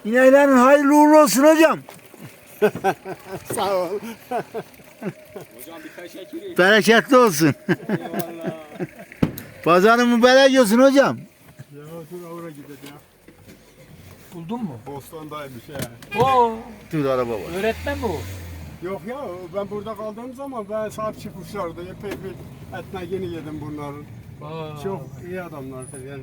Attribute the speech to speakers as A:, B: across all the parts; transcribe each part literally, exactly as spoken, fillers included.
A: İneklerin hayırlı uğurlu olsun hocam.
B: Sağ ol.
C: Hocam bir teşekkür
A: Bereketli olsun.
C: Eyvallah.
A: Pazarın mübarek olsun hocam.
B: Ya dur oraya gidelim ya.
C: Buldun mu?
B: Bostan'daymış ya.
C: Oo,
A: Dur araba var.
C: öğretmen mi o?
B: Yok ya ben burada kaldığım zaman ben sahip çıkmışlardı. Epey bir etmegini yedim bunların.
C: Aa,
B: Çok iyi adamlardır yani.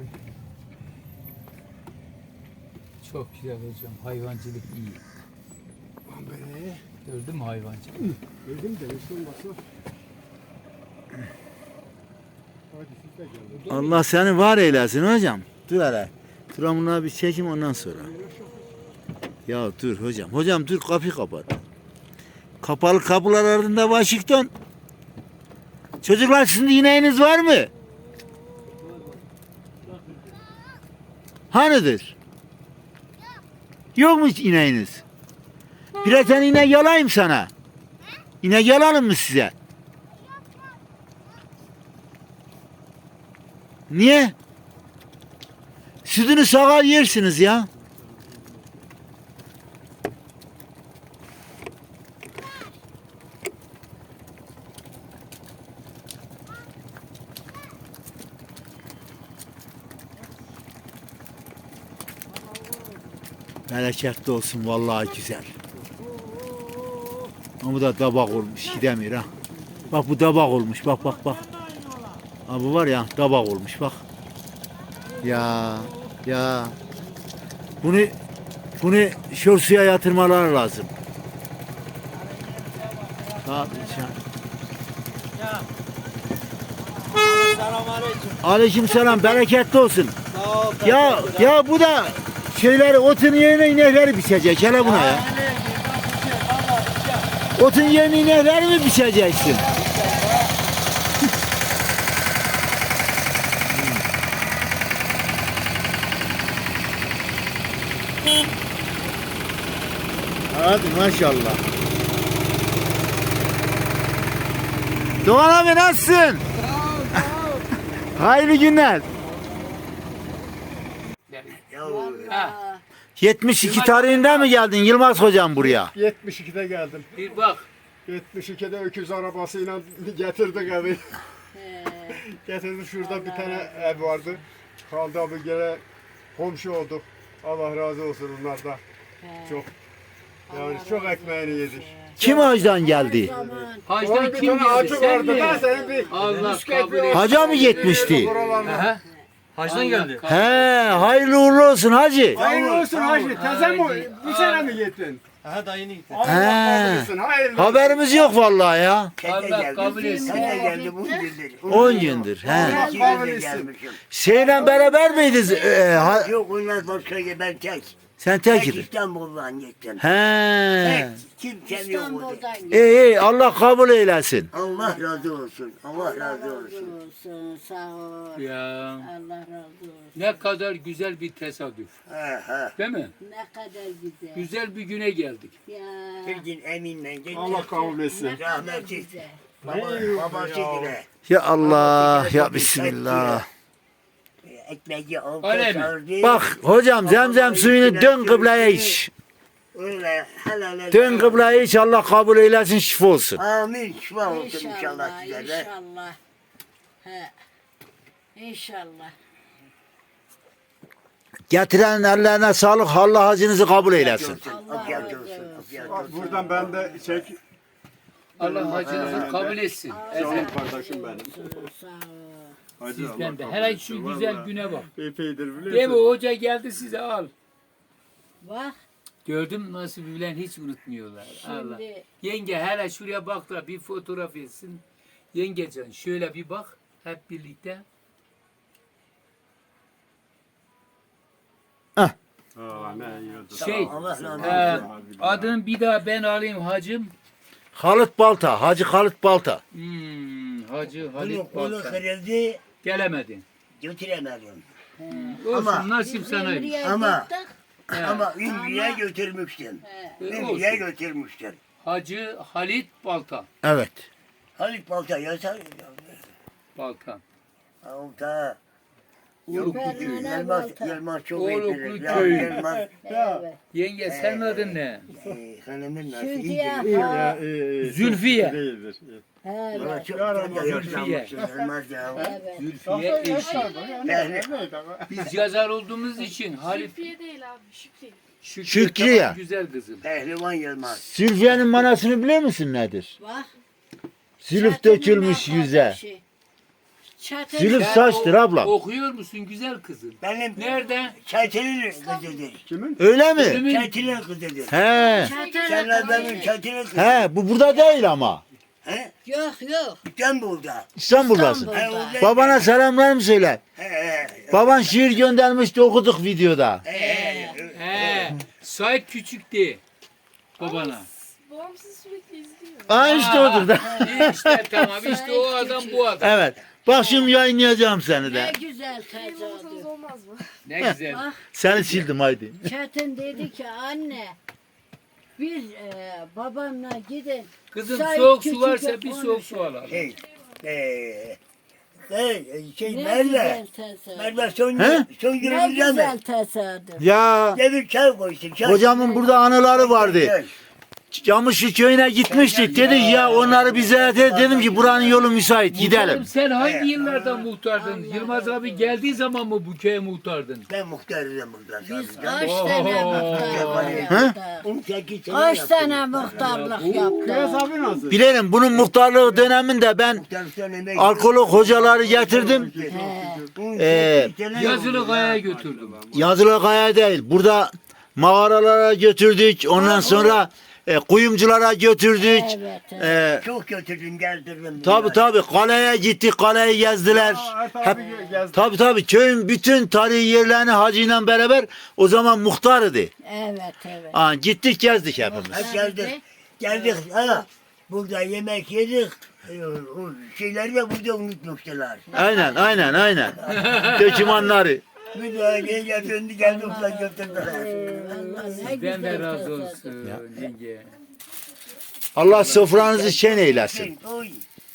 C: çok güzel hocam. Hayvancılık iyi.
B: Aman be.
C: Gördün mü hayvancılık?
B: Dedim de hiç olmazsa. Hadi siz de gelin.
A: Allah seni var eylesin hocam. Dur hele. Tramına bir çekim ondan sonra. Ya dur hocam. Hocam dur kapıyı kapat. Kapalı kapılar ardında Washington. Çocuklar sizin ineğiniz var mı? Hanidir? Yok mu hiç ineğiniz? Birer tane inek yalayayım sana. İnek yalalım mı size? Niye? Sütünü sağar yersiniz ya. Bereketli olsun vallahi güzel. Ama bu da tabak olmuş gidemiyor ha. Bak bu tabak olmuş bak bak bak. Ha bu var ya tabak olmuş bak. Ya ya. Bunu bunu şor suya yatırmalar lazım. Tabii can.
D: Selamünaleyküm.
A: Aleyküm selam bereketli olsun.
D: Sağ ol.
A: Ya ya bu da şeyleri otun yerine inekleri biçecek hele buna ya. Otun yerine inekleri mi biçeceksin? Hadi maşallah. Doğan abi nasılsın? Hayırlı günler.
C: Ha,
A: yetmiş iki tarihinde mi geldin Yılmaz hocam buraya?
B: yetmiş ikide geldim.
C: bir bak.
B: yetmiş ikide öküz arabasıyla getirdik evi. Getirdik şurada bir tane ev vardı. Kaldı abi gene komşu olduk. Allah razı olsun onlardan. Çok. Yani çok ekmeğini yedik.
A: Kim hacdan geldi?
C: Hacdan
B: Orada bir
C: kim
B: tane
C: geldi?
B: acı
C: Sen
B: vardı.
C: mi?
B: Ben senin bir
C: Allah
B: bisküvi
C: kabul etsin.
A: Hacı mı yetmişti?
C: Aha.
D: Hacdan geldi.
A: He, hayırlı uğurlu olsun hacı.
B: Hayırlı olsun hacı. Teze mi? Bir sene mi gittin?
D: Aha dayını gitti.
B: Allah
A: He.
B: kabul etsin. Hayırlı.
A: Haberimiz yok vallahi ya.
C: Allah kabul etsin.
E: Sen de geldim on gündür.
A: on gündür. He.
B: Allah
E: İki
B: kabul
E: günde
B: etsin.
E: gelmişim.
A: Şeyle beraber miydiniz? Ee, ha-
E: Yok onlar başka yer, ben tek.
A: sen
E: Tek
A: tek.
E: İstanbul'dan gittim.
A: He.
E: Tek. Kimsem yok orada.
F: İstanbul'dan
A: İyi iyi Allah kabul eylesin.
E: Allah razı olsun. Allah razı
F: razı
E: olsun.
F: olsun. Sağ ol.
C: Ya
F: Allah razı olsun.
C: ne kadar güzel bir tesadüf.
E: He he.
C: Değil mi?
F: Ne kadar güzel.
C: Güzel bir güne geldik.
F: Ya.
E: Bir gün eminle gittim.
B: Allah kabul etsin.
F: Ne kadar
E: Rahmetli.
F: güzel.
E: Baba, babası gibi.
A: Ya Allah ya Bismillah.
E: Ekmeği aldı
C: Öyle mi?
E: sardı.
A: Bak hocam zemzem suyunu dön kıbleye iç.
E: Öyle helal
A: Dön kıbleye iç Allah kabul eylesin şifa olsun.
E: Amin. Şifa olsun inşallah
F: İnşallah.
E: size de.
F: İnşallah. He. İnşallah.
A: Getiren ellerine sağlık Allah hacınızı kabul eylesin.
F: Allah
E: Afiyet
F: razı
E: olsun.
F: olsun.
E: Afiyet
B: Bak
E: olsun.
B: buradan ben de çek.
C: Allah hacınızı kabul etsin.
B: Canım kardeşim benim.
F: Sağ ol.
B: Hacı
C: Sizden
B: Allah
C: de.
B: kabul
C: Hele
B: etsin.
C: şu güzel
B: Vallahi.
C: güne bak.
B: Epeydir
C: Değil mi?
B: biliyorsun.
C: Hoca geldi size al.
F: Bak
C: Gördüm nasıl bilen hiç unutmuyorlar. Allah.
F: şimdi
C: Yenge hele şuraya bak da bir fotoğraf etsin. Yengecan şöyle bir bak hep birlikte.
B: Aa, ne iyi oldu.
C: Şey,
E: Allah razı olsun.
C: e, adını bir daha ben alayım hacım.
A: Halit Balta, Hacı Halit Balta.
C: Hmm, Hacı
E: Bunu
C: Halit
E: kolu
C: Balta.
E: kırıldı.
C: Gelemedin.
E: Götüremedim.
C: Olsun
E: Ama-
C: nasip
F: biz
C: sana.
F: Ümriye
E: Ama-
F: gittik.
C: He.
E: Ama Ümriye götürmüştüm.
F: He.
C: E,
E: Ümriye
C: olsun.
E: götürmüştüm.
C: Hacı Halit Balta.
A: Evet.
E: Halit Balta yazar.
C: Balta.
E: Balta. Yok,
F: Pervane
E: Yılmaz,
F: Balta.
E: Yılmaz çok
C: Oğluklu
E: iyidir. Ya,
C: köy.
E: Yılmaz,
F: Evet.
C: Yenge sen adın ne?
E: e, hanımın nasıl
F: Zülfiye.
E: iyidir.
F: Ha,
C: Zülfiye.
B: Değildir.
F: evet.
E: Valla çok
B: Yar
E: sen de
B: olmaz,
E: yaşlanmışsın Yılmaz ya.
F: Evet.
C: Zülfiye eşi.
E: Yani,
C: Biz yazar olduğumuz için Halit
G: Zülfiye değil abi, Şükrü.
C: Şükrü,
A: Şükrü ya.
C: tamam, güzel kızım.
E: Pehlivan Yılmaz.
A: Sülfiye'nin manasını biliyor musun nedir?
F: Bak.
A: Zülüf
F: çatının
A: dökülmüş yüze.
F: arkadaşı. Çatın.
A: Zülüf
C: Sen
A: saçtır
C: o-
A: ablam.
C: Okuyor musun güzel kızım?
E: Benim
C: Nerede?
E: Çetin'in kızıdır.
A: Öyle mi?
C: Ölümün
E: Çetin'in kızıdır.
A: He.
F: Çatın.
E: Sen benim Çetin'in kızı.
A: He bu burada değil ama.
E: He?
F: Yok yok.
E: İstanbul'da.
A: İstanbul'dasın.
F: İstanbul.
E: He, orada-
A: Babana selamlar mı söyle?
E: He, he,
A: Baban şiir göndermişti okuduk videoda.
E: he, he.
C: He. Sait küçüktü babana.
G: Babam sizi sürekli izliyor.
A: Aa işte odur da.
C: İyi işte tamam işte o adam bu adam.
A: Evet. Bak şimdi yayınlayacağım seni
F: Ne
A: de.
F: güzel
G: Benim olmasanız
F: tesadüf.
G: olmaz mı?
C: Ne güzel.
F: Bak
A: Seni sildim haydi.
F: Çetin dedi ki anne bir e, babamla gidin.
C: Kızım
F: Sait
C: soğuk su
F: küçük
C: varsa
F: yok,
C: bir
F: onu
C: soğuk su
F: söyle.
C: alalım.
E: Şey, eee, şey, şey
F: Ne
E: Merve.
F: güzel tesadüf.
E: Merve son,
A: He?
E: son
F: Ne
E: günümüzde
F: güzel
E: mi?
F: tesadüf.
A: Ya
E: Devir çay koysun. Çay.
A: hocamın burada anıları vardı.
E: Çay.
A: Camışlı köyüne gitmiştik. Dedik ya onları bir ziyaret et. Dedim ki buranın yolu müsait gidelim.
C: Muhtarım, sen hangi yıllarda muhtardın? Yılmaz abi geldiği zaman mı bu köye muhtardın?
E: Ben muhtarım burada.
F: Biz
E: tabii.
F: kaç
C: Oo.
F: tane muhtarlık
A: He?
F: yaptık.
E: on sekiz sene
F: Kaç
E: yaptım.
F: tane muhtarlık
B: Kıyas
F: yaptık.
B: abi nasıl?
A: Bilelim bunun muhtarlığı döneminde ben
E: Muhtarlıktan emek-
A: alkolog hocaları getirdim.
E: on sekiz
A: Ee,
E: sene
C: Yazılı
E: oldu
C: kayaya
E: ya.
C: götürdüm.
A: Yazılı kaya değil. Burada mağaralara götürdük. Ondan sonra e, kuyumculara götürdük.
F: Evet, evet.
A: E,
E: Çok götürdüm geldirdim.
A: tabi tabi kaleye gittik. Kaleyi gezdiler. Hep, tabi tabi köyün bütün tarihi yerlerini hacıyla beraber o zaman muhtarıydı.
F: Evet evet.
A: Aa, gittik gezdik hepimiz.
E: Hep geldik. Geldik. Ha. Burada yemek yedik. Ee, O şeyleri de burada unutmuşlar.
A: Aynen aynen aynen. Dökümanları.
E: Bir daha gel döndü geldi ulan götürdüler.
F: Allah ne
C: Ben
F: güzel
C: de razı
F: tesadüf.
C: olsun yenge.
A: Allah sofranızı şen eylesin.
E: Oy.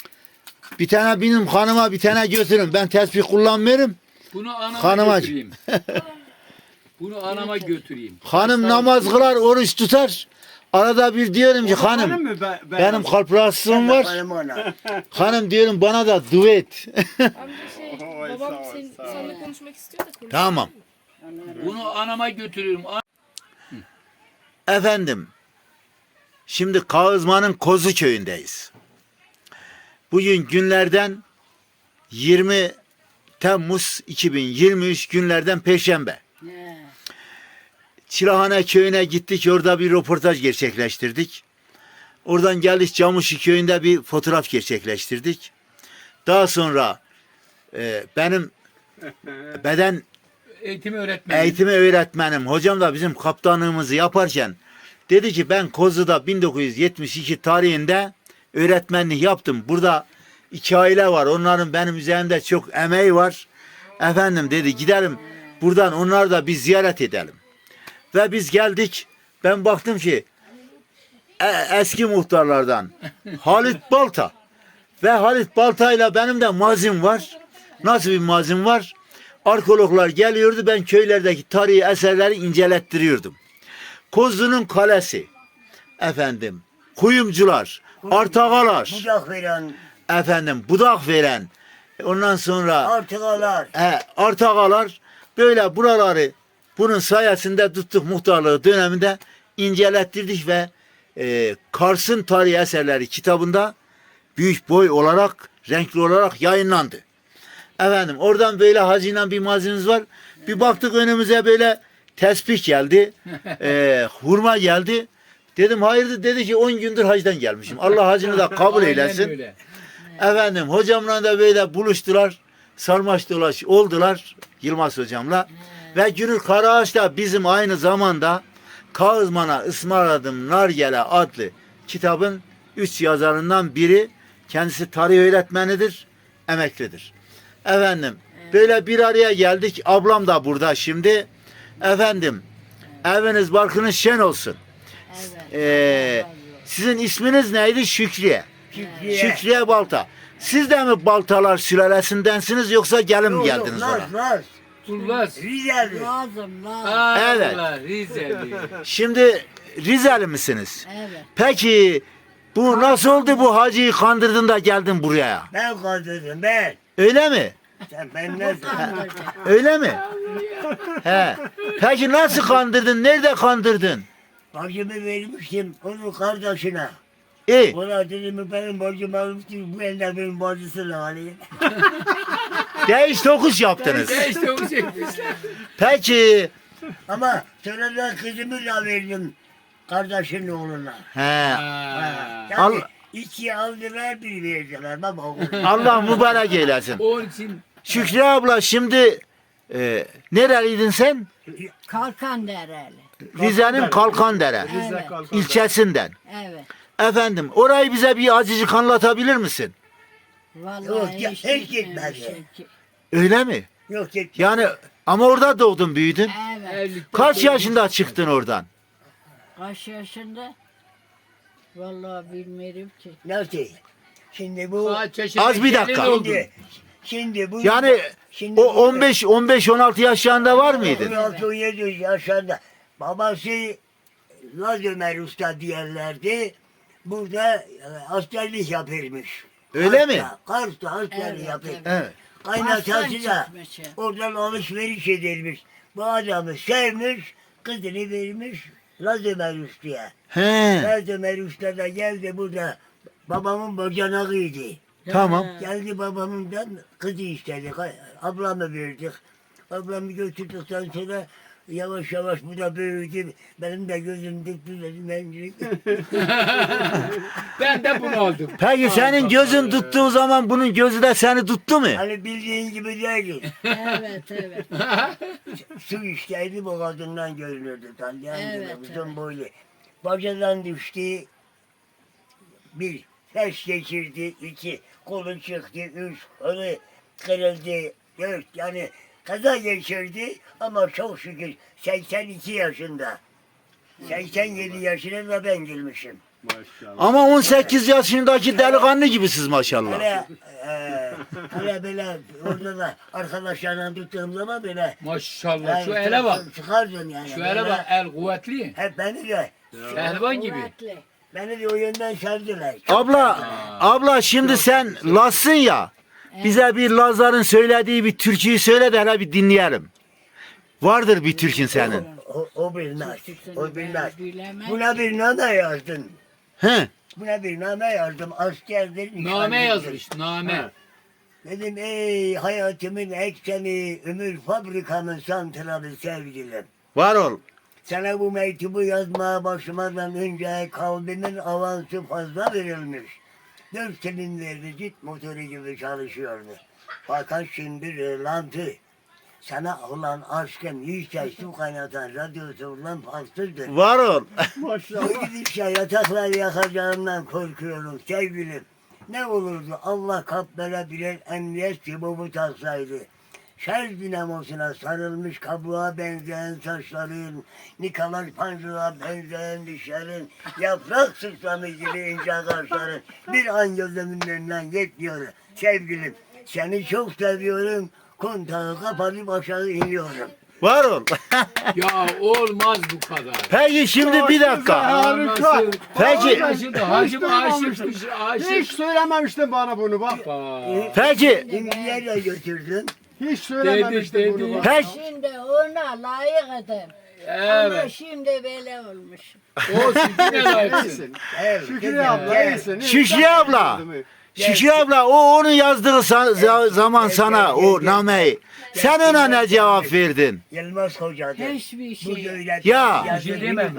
A: Bir tane benim hanıma bir tane götürün. Ben tesbih kullanmıyorum.
C: Bunu anama
A: Hanıma-
C: götüreyim. Bunu anama götüreyim.
A: Hanım namaz kılar, oruç tutar. Arada bir diyorum ki hanım benim kalp rahatsızlığım var.
E: Benim ana.
A: Hanım diyorum bana da duet.
G: Amca şey,
B: Oy, sağ
G: babam
B: ol,
G: senin,
B: sağ ol.
G: seninle konuşmak istiyor da konuş.
A: Tamam.
C: Bunu anama götürüyorum.
A: Efendim. Şimdi Kağızman'ın Kozu köyündeyiz. Bugün günlerden yirmi Temmuz iki bin yirmi üç günlerden Perşembe.
F: He.
A: Çilahane köyüne gittik. Orada bir röportaj gerçekleştirdik. Oradan geldik Camışlı köyünde bir fotoğraf gerçekleştirdik. Daha sonra e, benim beden
C: Eğitim öğretmeni.
A: eğitimi öğretmenim hocam da bizim kaptanlığımızı yaparken dedi ki ben Kozu'da bin dokuz yüz yetmiş iki tarihinde öğretmenlik yaptım. Burada iki aile var. Onların benim üzerimde çok emeği var. Efendim dedi gidelim buradan onları da bir ziyaret edelim. Ve biz geldik. Ben baktım ki e- eski muhtarlardan Halit Balta ve Halit Balta'yla benim de mazim var. Nasıl bir mazim var? Arkeologlar geliyordu. Ben köylerdeki tarihi eserleri incelettiriyordum. Kozlu'nun kalesi, efendim, kuyumcular, artagalar,
E: Bucak veren
A: efendim, budak veren, ondan sonra
E: artıgalar.
A: he, artagalar böyle buraları bunun sayesinde tuttuk muhtarlığı döneminde incelettirdik ve e, Kars'ın tarihi eserleri kitabında büyük boy olarak, renkli olarak yayınlandı. Efendim oradan böyle hazinen bir malzememiz var. Bir baktık önümüze böyle tesbih geldi. e, hurma geldi. Dedim hayırdır dedi ki on gündür hacdan gelmişim. Allah hacını da kabul
C: Aynen
A: eylesin.
C: öyle.
A: Efendim hocamla da böyle buluştular. Sarmaş dolaş oldular Yılmaz hocamla. Ve Gönül Karaağaç da bizim aynı zamanda Kağızman'a ısmarladım Nargele adlı kitabın üç yazarından biri. Kendisi tarih öğretmenidir, emeklidir. Efendim böyle bir araya geldik. Ablam da burada şimdi. Efendim eviniz barkınız şen olsun.
F: Evet.
A: Ee, sizin isminiz neydi? Şükriye.
E: Şükriye.
A: Şükriye Balta. Siz de mi Baltalar sülalesindensiniz yoksa gelin mi
E: Yok, yok,
A: geldiniz
E: Laz,
A: ona?
E: Laz.
C: Turlas.
E: Rizeli.
F: Lazım lazım.
C: Ha,
A: Evet.
C: Allah, Rizeli.
A: Şimdi Rizeli misiniz?
F: Evet.
A: Peki bu nasıl oldu bu hacıyı kandırdın da geldin buraya?
E: Ben kandırdım ben.
A: Öyle mi?
E: Sen ben nasıl?
F: Kandırdı.
A: Öyle mi? He. Peki nasıl kandırdın? Nerede kandırdın?
E: Bacımı vermiştim onun kardeşine.
A: İyi.
E: Ona dedim benim bacım almıştım. Bu elde benim bacısını alayım.
A: Değiş tokuş yaptınız.
C: Ya işte o çekmişler.
A: Peki.
E: Ama sonra da kızımı da verdim kardeşinin oğluna.
A: He.
C: Ha.
E: Yani
A: Al-
E: iki aldılar bir verdiler baba.
A: Allah mübarek eylesin.
C: Onun için
A: Şükrü abla şimdi e, nereliydin sen?
F: Kalkan dereli.
A: Rize'nin Kalkandere
F: Evet.
A: ilçesinden.
F: Evet.
A: Efendim orayı bize bir azıcık anlatabilir misin?
F: Vallahi
E: Yok, ya,
F: hiç
E: hiç
F: gitmemişim
E: gitmedi.
F: ki.
A: Öyle mi?
E: Yok git.
A: Yani ama orada doğdun büyüdün.
F: Evet.
C: evlilikte
A: Kaç yaşında çıktın oradan?
F: Kaç yaşında? Vallahi bilmiyorum ki.
E: Nasıl? Şimdi bu
C: Kaç yaşında
A: Az bir dakika.
C: gelin oldun?
E: şimdi, şimdi bu
A: Yani
E: şimdi
A: o on beş on beş on altı yaşlarında var mıydın?
E: on altı on yedi yaşında babası Laz Ömer Usta diyorlardı. Burada e, askerlik yapırmış.
A: Öyle mi?
E: Kars'ta askerlik
F: Evet,
E: yapıyor.
F: evet.
A: Evet.
E: Kaynatası
F: Kars'tan
E: da
F: çıkmış ya.
E: oradan alışveriş edilmiş. Bu adamı sevmiş, kızını vermiş Laz Ömer Usta'ya.
A: He.
E: Laz Ömer Usta da geldi burada babamın bacanağıydı.
A: Tamam.
E: Geldi babamından kızı istedik. Ablamı verdik. Ablamı götürdükten sonra yavaş yavaş bu da büyüdü. Benim de gözüm dikti dedim ben
C: Ben de bunu aldım.
A: Peki senin gözün tuttuğu zaman bunun gözü de seni tuttu mu?
E: Hani bildiğin gibi değil.
F: Evet evet.
E: Su işteydi bu kadından görünürdü. Tanıyan
F: Evet,
E: gibi uzun
F: evet.
E: boylu. Bacadan düştü. Bir, ses geçirdi. İki, kolu çıktı. Üç, kolu kırıldı. Dört, yani kaza geçirdi ama çok şükür seksen iki yaşında. seksen yedi yaşına da ben girmişim.
B: Maşallah.
A: Ama on sekiz yaşındaki delikanlı gibisiz maşallah.
E: Hele, e, hele böyle orada da arkadaşlarla tuttuğum zaman böyle
C: Maşallah şu
E: yani
C: ele bak.
E: çıkardım yani.
C: Şu ele
E: Böyle
C: bak el kuvvetli.
E: Hep beni de,
C: Pehlivan gibi.
F: Kuvvetli.
E: beni de o yönden sevdiler.
A: Abla, abla şimdi sen Laz'sın ya. Bize bir Lazların söylediği bir türküyü söyle de hele bir dinleyelim. Vardır bir türkün senin.
E: O, o bilmez, o bilmez.
F: Bilemem.
E: Buna bir name yazdım.
A: He.
E: Buna bir name yazdım. Askerdir.
C: Name
E: nişanlıdır.
C: yazmış name.
E: Dedim ey hayatımın ekseni, ömür fabrikamın santralı sevgilim.
A: Var ol.
E: Sana bu mektubu yazmaya başlamadan önce kalbimin avansı fazla verilmiş. Dört silindirli jet motoru gibi çalışıyordu. Fakat şimdi rölantı. Sana olan aşkım yüzde su kaynatan radyosundan fazladır.
A: Var ol.
E: Bu gidişle yatakları yakacağımdan korkuyorum sevgilim. Ne olurdu Allah kaplara birer emniyet sibobu taksaydı. Şerz dinamosuna sarılmış kabuğa benzeyen saçların, Nikolaj Pancı'na benzeyen dişlerin, yaprak sıçramı gibi ince kaşların bir an gözümün önünden geçmiyor. Sevgilim, seni çok seviyorum, kontağı kapatıp aşağı iniyorum.
A: Var ol.
C: Ya olmaz bu kadar.
A: Peki şimdi bir dakika.
B: Harika.
C: Anası-
A: Peki.
C: Anası da hacım
B: duymamıştım.
C: aşıkmış
B: Hiç
C: aşık.
B: söylememiştin bana bunu bak.
C: Bak.
A: Peki.
E: İmdiye de götürdüm.
B: Hiç söylememiştin
C: Dedi,
B: bunu
C: dedi.
B: bak.
A: Peki.
F: Şimdi ona layık edin. Ama
C: Evet.
F: şimdi böyle olmuş.
C: Olsun yine layıksın.
E: Evet,
B: Şükrü
E: güzel,
B: abla
E: gel.
B: iyisin.
A: Şükrü abla. Şükrü abla o onun yazdığı sa- za- zaman sana o nameyi. Sen ona ne cevap verdin?
E: Yılmaz Hoca'dır.
F: Hiçbir
E: Bu
F: şey.
E: böyle
A: Ya.
C: Bir şey demem.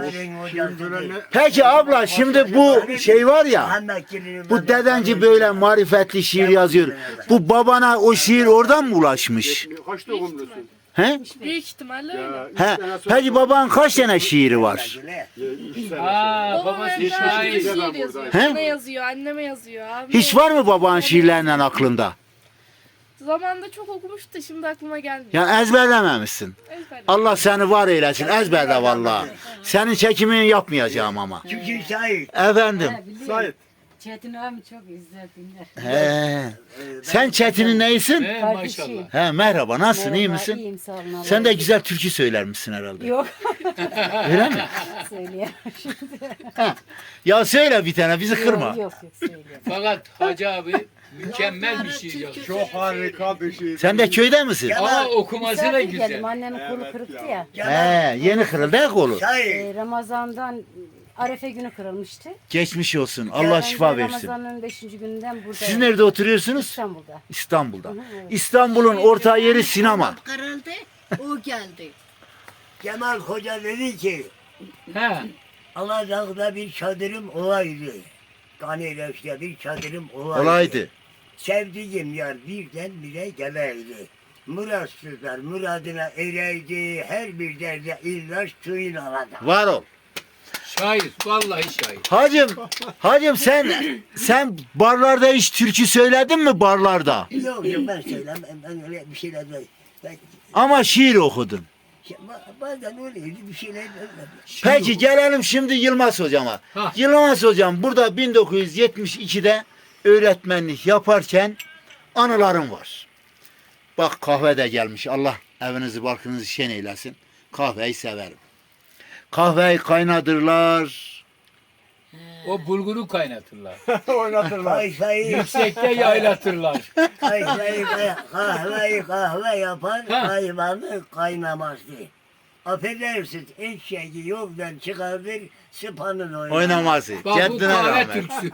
A: Peki abla şimdi bu şey var ya. Bu dedenci böyle marifetli şiir yazıyor. Bu babana o şiir oradan mı ulaşmış?
B: Kaç doğumlusun?
A: He?
G: Büyük ihtimalle öyle.
B: Ya, üç
A: He?
B: sene sonra-
A: Peki baban kaç tane şiiri var?
B: Ya, üç sene
C: Aa
B: sonra.
G: Babam
C: babası
G: hep daha
C: şair.
G: şiir
B: Ben
G: yazıyor.
A: He?
G: Bana yazıyor, anneme yazıyor. Abime
A: Hiç var mı babanın şiirlerinden aklında?
G: Zamanında çok okumuştu da şimdi aklıma gelmiyor.
A: Yani ezberlememişsin.
G: Ezberledim.
A: Allah seni var eylesin. Ezberle vallahi. Senin çekimini yapmayacağım ama.
E: Çünkü şahit.
A: Efendim.
F: Ha, biliyorum.
B: Sait.
F: Çetin abi çok izler dinler.
A: He. Sen Çetin'in neyisin?
C: He,
F: Kardeşim.
C: maşallah.
A: He merhaba nasılsın iyi
F: Merhaba,
A: misin?
F: İyiyim sağ olun. Allah
A: Sen de
F: razı
A: güzel türkü söyler misin herhalde?
F: Yok
A: Öyle mi?
F: söyleyeyim.
A: Ya söyle bir tane bizi kırma.
F: Yok yok yok söyleyeyim.
C: Fakat Hacı abi mükemmel bir şiir yazmış.
B: Çok harika bir şey.
A: Sen de köyde misin?
C: Ama okuması da
F: Misafir
C: güzel.
F: geldim annemin kolu
B: Evet
F: kırıktı
B: ya.
F: ya.
A: He yeni kırıldı ya kolu.
E: Say.
F: Ee, Ramazan'dan Arefe günü kırılmıştı.
A: Geçmiş olsun. Allah
F: Ben de
A: şifa versin.
F: Ramazan'ın beşinci gününden buradayım.
A: Siz nerede oturuyorsunuz?
F: İstanbul'da.
A: İstanbul'da. İstanbul'un orta yeri sinema.
F: Kırıldı, o geldi.
E: Cemal Hoca dedi ki
C: He.
E: Alacak'ta bir çadırım olaydı. Kanileş'te bir çadırım olaydı.
A: Olaydı.
E: Sevdiğim yar birden bire geleydi. Muratsızlar muradına ereydi. Her bir derde ilaç suyun alada.
A: Var ol.
C: Şair. Vallahi şair.
A: Hacım, hacım sen sen barlarda hiç türkü söyledin mi barlarda?
E: Yok yok ben söylemem. Ben öyle bir şeyler de. Ben,
A: Ama şiir okudun.
E: ba- bazen öyleydi bir şeyler de.
A: Peki gelelim şimdi Yılmaz hocama.
C: Ha.
A: Yılmaz hocam burada bin dokuz yüz yetmiş ikide öğretmenlik yaparken anılarım var. Bak kahve de gelmiş. Allah evinizi barkınızı şen eylesin. Kahveyi severim. Kahveyi kaynatırlar.
C: O bulguru kaynatırlar.
B: Oynatırlar.
E: Kayfayı,
C: Yüksekte yaylatırlar.
E: kayfayı, kahveyi kahve yapan
C: Ha.
E: hayvanı kaynamazdı. Affedersiniz eşeği yoldan çıkardır sıpanın oynar.
A: Oynaması.
C: Bak bu
A: Ceddine
C: kahve
A: rahmet.
C: türküsü.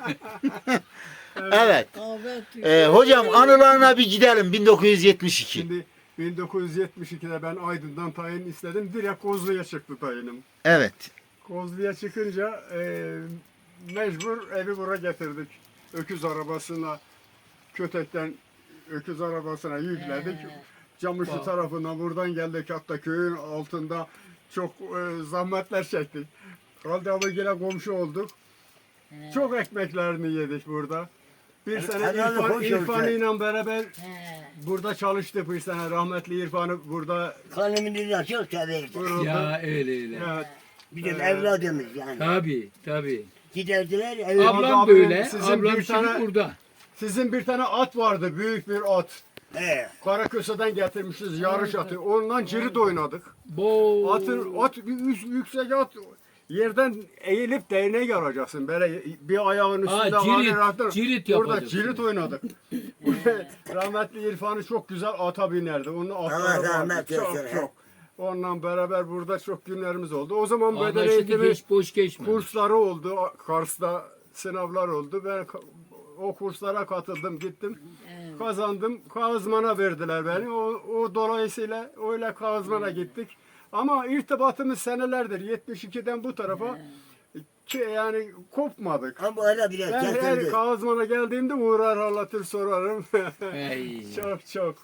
A: Evet.
F: Kahve
A: Ee, hocam anılarına bir gidelim bin dokuz yüz yetmiş iki.
B: Şimdi bin dokuz yüz yetmiş ikide ben Aydın'dan tayin istedim. Direkt Kozlu'ya çıktı tayinim.
A: Evet.
B: Kozlu'ya çıkınca e, mecbur evi buraya getirdik. Öküz arabasına, Kötek'ten öküz arabasına yükledik. Camışlı tarafından buradan geldik, hatta köyün altında çok e, zahmetler çektik. Halde abi gene komşu olduk. Çok ekmeklerini yedik burada. Bir sene
E: Helal
B: İrfan,
E: hoş
B: İrfan
E: olsun.
B: ile beraber
F: He.
B: burada çalıştık bir sene. Rahmetli İrfan'ı burada
E: Kanımını da çok severdi.
B: vuruldu.
C: Ya öyle öyle.
B: Evet.
E: Bizim evladımız yani.
C: Tabii tabii.
E: Giderdiler evi.
C: Ablam
B: abi,
C: böyle.
B: sizin
C: Ablam
B: bir
C: şimdi
B: tane-
C: burada.
B: Sizin bir tane at vardı, büyük bir at.
E: He.
B: Karaköse'den getirmişiz yarış atı. Ondan cirit oynadık.
C: Bo.
B: Atın, at bir üst, yüksek at. Yerden eğilip değnek alacaksın. Böyle bir ayağın
C: Ha,
B: üstünde
C: cirit,
B: var, rahatlar.
C: cirit
B: Burada
C: yapacaksın.
B: cirit oynadık. Rahmetli İrfan'ı çok güzel ata binerdi. Onun atları
E: Allah
B: vardı.
E: rahmet
B: Çok
E: eylesin.
B: çok. Onunla beraber burada çok günlerimiz oldu. O zaman beden
C: Anlaşıldı
B: eğitimi
C: geç boş geçme.
B: kursları oldu. Kars'ta sınavlar oldu. Ben ka- o kurslara katıldım, gittim. Kazandım. Kazmana verdiler beni. O, o dolayısıyla öyle Kazman'a gittik. Ama irtibatımız senelerdir. yetmiş ikiden bu tarafa ki yani kopmadık.
E: Ama hala bile
B: Ben her
E: getirdi.
B: Kazman'a geldiğimde uğrar halatır sorarım.
C: Ey.
B: çok çok.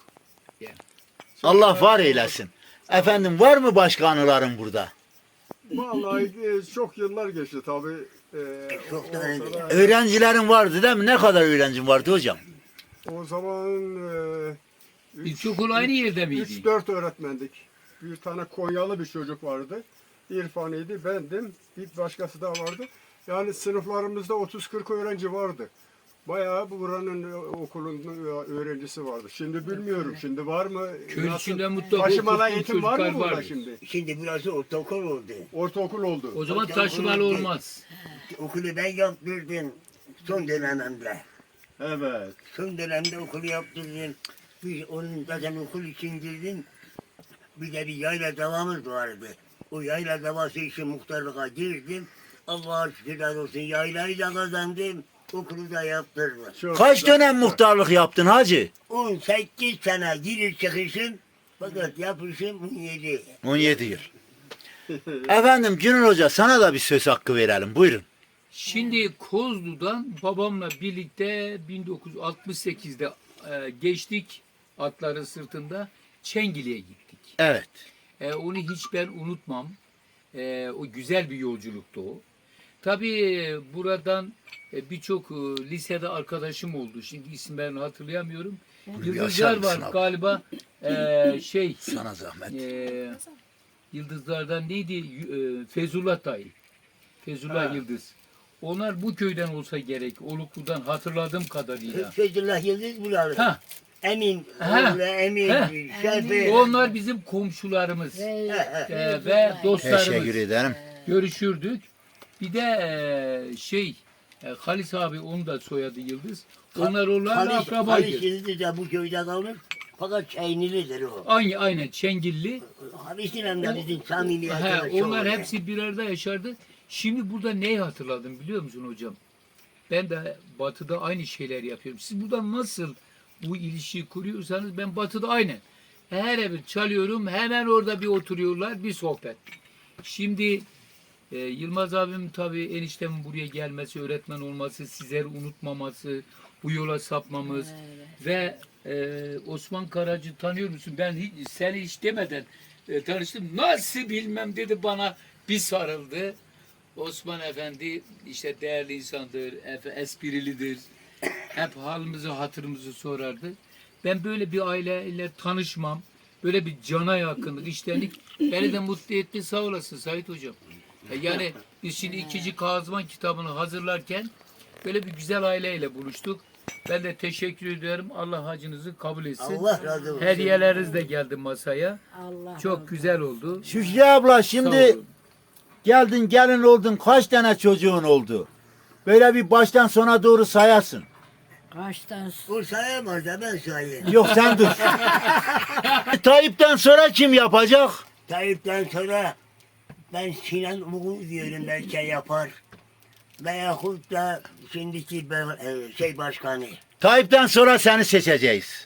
A: Allah var eylesin. Efendim var mı başka anıların burada?
B: Vallahi e, çok yıllar geçti tabii. E,
E: Çok da
B: olsa
E: öyle.
B: da-
A: Öğrencilerin vardı değil mi? Ne kadar öğrencin vardı hocam?
B: O zaman e,
C: İlkokul aynı yerde miydi?
B: üç dört öğretmendik. Bir tane Konyalı bir çocuk vardı. İrfan'ıydı, bendim. Bir başkası da vardı. Yani sınıflarımızda otuz kırk öğrenci vardı. Bayağı bu buranın e, okulunun e, öğrencisi vardı. Şimdi bilmiyorum. Şimdi var mı?
C: Köyün
B: Nasıl?
C: içinde mutlaka
B: Taşımalı
C: okuttuğun
B: eğitim var mı
C: çocuklar
B: burada
C: var.
B: şimdi?
E: Şimdi burası ortaokul oldu.
B: Ortaokul oldu.
C: O zaman
E: Hocam,
C: taşımalı
E: onu-
C: olmaz.
E: Okulu ben yaptırdım son dönemimde.
B: Evet.
E: Son dönemde okulu yaptırdım. Bir onun zaten okul için girdim. Bir de bir yayla davamız vardı. O yayla davası için muhtarlığa girdim. Allah'a şükürler olsun yaylayı da kazandım. Okulu da yaptırdım.
B: Çok
A: Kaç
B: güzel.
A: dönem muhtarlık yaptın hacı?
E: on sekiz sene giriş çıkışım. Fakat yapışım on yedi.
A: on yedi yıl. Efendim Günür Hoca sana da bir söz hakkı verelim. Buyurun.
C: Şimdi Kozlu'dan babamla birlikte bin dokuz yüz altmış sekizde e, geçtik atların sırtında Çengili'ye gittik.
A: Evet.
C: E, onu hiç ben unutmam. E, o güzel bir yolculuktu o. Tabii buradan e, birçok e, lisede arkadaşım oldu. Şimdi isimlerini hatırlayamıyorum.
A: bir
C: Yıldızlar
A: açar
C: var
A: mısın abi?
C: galiba. E, şey
A: Sana zahmet.
C: e, Yıldızlardan neydi? Y- e, Fezullah dayı. Fezullah
B: Ha.
C: Yıldız. Onlar bu köyden olsa gerek. Oluklu'dan hatırladığım kadarıyla.
E: Fethullah Yıldız buralı.
C: Ha.
E: Emin,
C: Ha.
E: oğlu Emin,
C: Ha.
E: Şefi.
C: Onlar bizim komşularımız
F: Ve,
C: e, ve dostlarımız.
A: Teşekkür ederim.
C: Görüşürdük. Bir de e, şey e, Halis abi onun da soyadı Yıldız. Onlar onlarla
E: Halis, Halis
C: akrabaydı.
E: Yıldız da bu köyde kalmış. Fakat Çeynilidir o.
C: Aynı aynen Çengilli.
E: Halis'in hem de bizim samimi
C: He,
E: arkadaşı
C: onlar
E: oldu.
C: hepsi bir arada yaşardı. Şimdi burada neyi hatırladım biliyor musun hocam? Ben de batıda aynı şeyler yapıyorum. Siz burada nasıl bu ilişkiyi kuruyorsanız ben batıda aynı. Her evi çalıyorum hemen orada bir oturuyorlar bir sohbet. Şimdi e, Yılmaz abim tabii eniştemin buraya gelmesi, öğretmen olması, sizleri unutmaması, bu yola sapmamız ve e, Osman Karacı tanıyor musun? Ben hiç, seni hiç demeden e, tanıştım. Nasıl bilmem dedi bana bir sarıldı. Osman Efendi işte değerli insandır, efe, esprilidir. Hep halimizi, hatırımızı sorardı. Ben böyle bir aileyle tanışmam, böyle bir cana yakınlık, iştenlik beni de mutlu etti. Sağ olasın Sait Hocam. E, Yani biz şimdi ikinci Kazman kitabını hazırlarken böyle bir güzel aileyle buluştuk. Ben de teşekkür ediyorum. Allah hacınızı kabul etsin.
E: Allah razı olsun.
C: Hediyeleriniz de geldi masaya.
F: Allah
C: Çok güzel oldu.
A: Şükrü abla
C: Sağ
A: şimdi
C: olun.
A: geldin gelin oldun kaç tane çocuğun oldu? Böyle bir baştan sona doğru sayasın.
F: kaçtan
E: O sayamaz da ben sayayım.
A: Yok sen dur. Tayyip'ten sonra kim yapacak?
E: Tayyip'ten sonra ben Sinan Uğur diyorum belki yapar. Veyahut da şimdiki be- e, şey başkanı.
A: Tayyip'ten sonra seni seçeceğiz.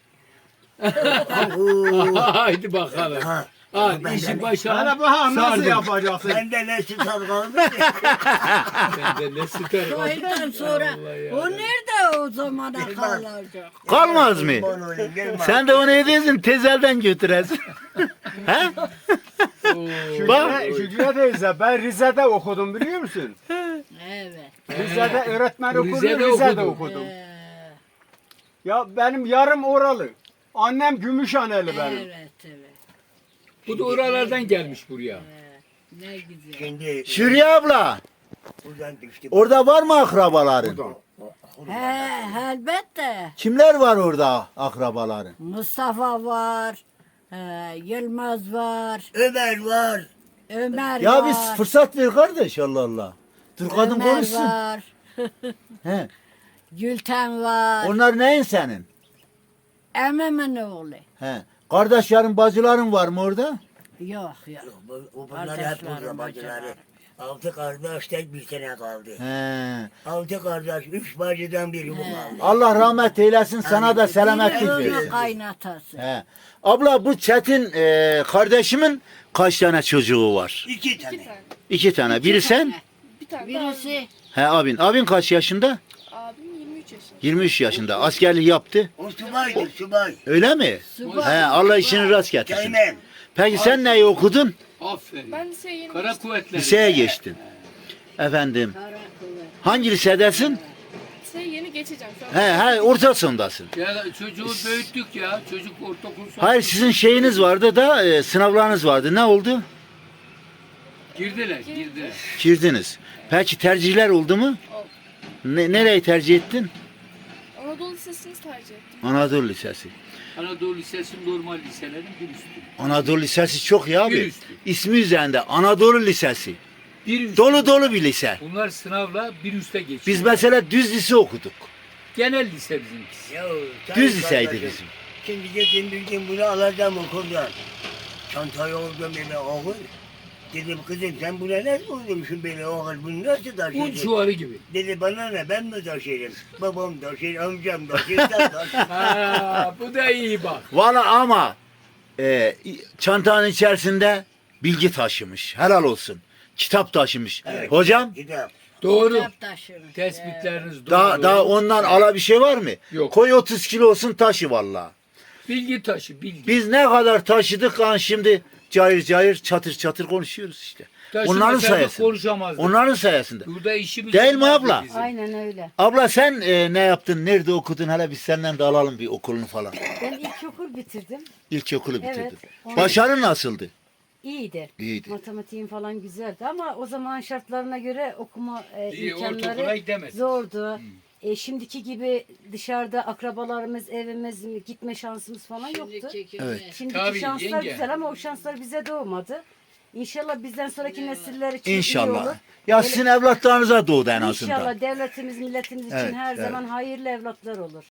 E: Oo,
C: Haydi bakalım.
E: ha,
C: Ha,
E: ben
C: işi
E: de-
C: başa
B: Hele bakalım nasıl
C: sardım.
B: yapacaksın?
E: Ben de ne tutar kalmış.
C: Ben de ne süper oldu.
F: Soydan sonra
C: Allah ya.
F: o nerede o zamana kalacak?
A: Kalmaz mı?
E: Kurban olayım, gelme.
A: Sen de onu ediyorsun tezelden götüresin. He? Bak.
B: Şükrü, Şükrü teyze ben Rize'de okudum biliyor musun?
F: Evet.
B: Rize'de öğretmen okudum,
C: Rize'de
B: Rize'de,
C: okudum.
B: okudum.
F: Ee,
B: Ya benim yarım oralı. Annem Gümüşhaneli benim.
F: evet evet.
C: Bu da oralardan gelmiş buraya.
F: Ne güzel.
E: Şimdi
A: Şükrü abla
E: buradan düştüm.
A: orada var mı akrabaların?
F: He elbette.
A: Kimler var orada akrabaların?
F: Mustafa var. e, Yılmaz var.
E: Ömer var.
F: Ömer
A: Ya
F: var.
A: biz fırsat ver kardeş Allah Allah. Dur kadın
F: Ömer
A: konuşsun.
F: var.
A: He.
F: Gülten var.
A: Onlar neyin senin?
F: Emmemin oğlu.
A: He. Kardeşlerin bacıların var mı orada?
F: Yok yok.
E: Bu, bu bunlar hep
F: Kardeşlerim,
E: burada bacıları.
F: bacılarım.
E: Altı kardeş tek bir sene kaldı.
A: He.
E: Altı kardeş, üç bacıdan biri bu kaldı.
A: Allah rahmet eylesin sana da selametlik
F: Biri
A: versin.
F: onun kaynatası.
A: He. Abla bu Çetin e, kardeşimin kaç tane çocuğu var?
E: İki tane.
G: Bir tane.
A: İki tane. Biri sen?
G: Bir tane de abim.
F: Birisi
A: He abin. Abin kaç yaşında?
G: Abim yirmi üç yaşında.
A: yirmi üç yaşında. Askerlik yaptı.
E: O subaydı, subay.
A: Öyle mi?
F: subay.
A: He, Allah işini rast getirsin.
E: Teğmen.
A: Peki sen neyi okudun?
C: Aferin.
G: Ben liseye yeni
C: Kara
G: geçtim.
C: kuvvetler.
A: Liseye geçtin. Efendim.
F: Kara kuvvet.
A: Hangi lisedesin?
G: Liseye yeni geçeceğim şu an.
A: He he ortasındasın.
C: Ya çocuğu büyüttük ya. Çocuk ortaokul son.
A: Hayır sizin şeyiniz vardı da e, sınavlarınız vardı. Ne oldu?
C: Girdiler, girdiler.
A: Girdiniz. Peki tercihler oldu mu?
G: Oldu.
A: Ne, nereyi tercih ettin?
G: Anadolu Lisesi'ni tercih ettim.
A: Anadolu Lisesi.
C: Anadolu Lisesi normal liselerin bir üstü.
A: Anadolu Lisesi çok ya
C: Bir
A: abi.
C: üstü.
A: İsmi üzerinde Anadolu Lisesi.
C: Bir üstü.
A: Dolu dolu bir lise.
C: Bunlar sınavla bir üste geçiyor.
A: Biz mesela düz lise okuduk.
C: Genel lise bizimkisi.
E: Ya,
A: Düz
E: sayın
A: liseydi
E: kardeşim,
A: bizim.
E: Şimdi dedim bir gün bunu alacağım okuldan. Çantayı oldum böyle oğul. Dedim kızım sen buna ne koydumsun böyle oğul bunu nasıl
C: Un
E: taşıdın?
C: çuvarı gibi.
E: Dedi bana ne ben mi taşırım? Babam taşır, amcam taşır, sen taşır.
C: Ha, bu da iyi bak.
A: Valla ama e, çantanın içerisinde bilgi taşımış. Helal olsun. Kitap taşımış.
E: Evet.
A: Hocam
E: Kitap.
C: Doğru.
F: Kitap taşırır.
C: Tespitleriniz doğru.
A: daha, daha ondan ala bir şey var mı?
C: Yok.
A: Koy otuz kilo olsun taşı valla.
C: Bilgi taşı, bilgi.
A: Biz ne kadar taşıdık lan şimdi cayır cayır çatır çatır konuşuyoruz işte. Onların
C: Taşımasaydık
A: sayesinde.
C: konuşamazdık.
A: Onların sayesinde.
C: Burada işimiz
A: Değil mi
C: olmazdı
A: abla?
C: bizim.
F: Aynen öyle.
A: Abla sen e, ne yaptın? Nerede okudun? Hele biz senden de alalım bir okulunu falan.
H: Ben ilkokul bitirdim.
A: İlkokulu bitirdin.
H: Evet.
A: Başarın nasıldı?
H: iyiydi.
A: İyiydi.
H: Matematiğin falan güzeldi ama o zaman şartlarına göre okuma e,
C: İyi, ortaokula
H: imkanları
C: gidemez.
H: zordu. E, şimdiki gibi dışarıda akrabalarımız, evimiz, gitme şansımız falan yoktu.
F: Şimdiki
A: Evet.
F: gibi.
H: Şimdiki
C: Tabii,
H: şanslar
C: yenge.
H: güzel ama o şanslar bize doğmadı. İnşallah bizden sonraki nesiller için iyi
A: İnşallah.
H: olur.
A: Ya sizin evlatlarınıza doğdu en azından.
H: İnşallah devletimiz, milletimiz için
A: Evet,
H: her
A: evet.
H: zaman hayırlı evlatlar olur.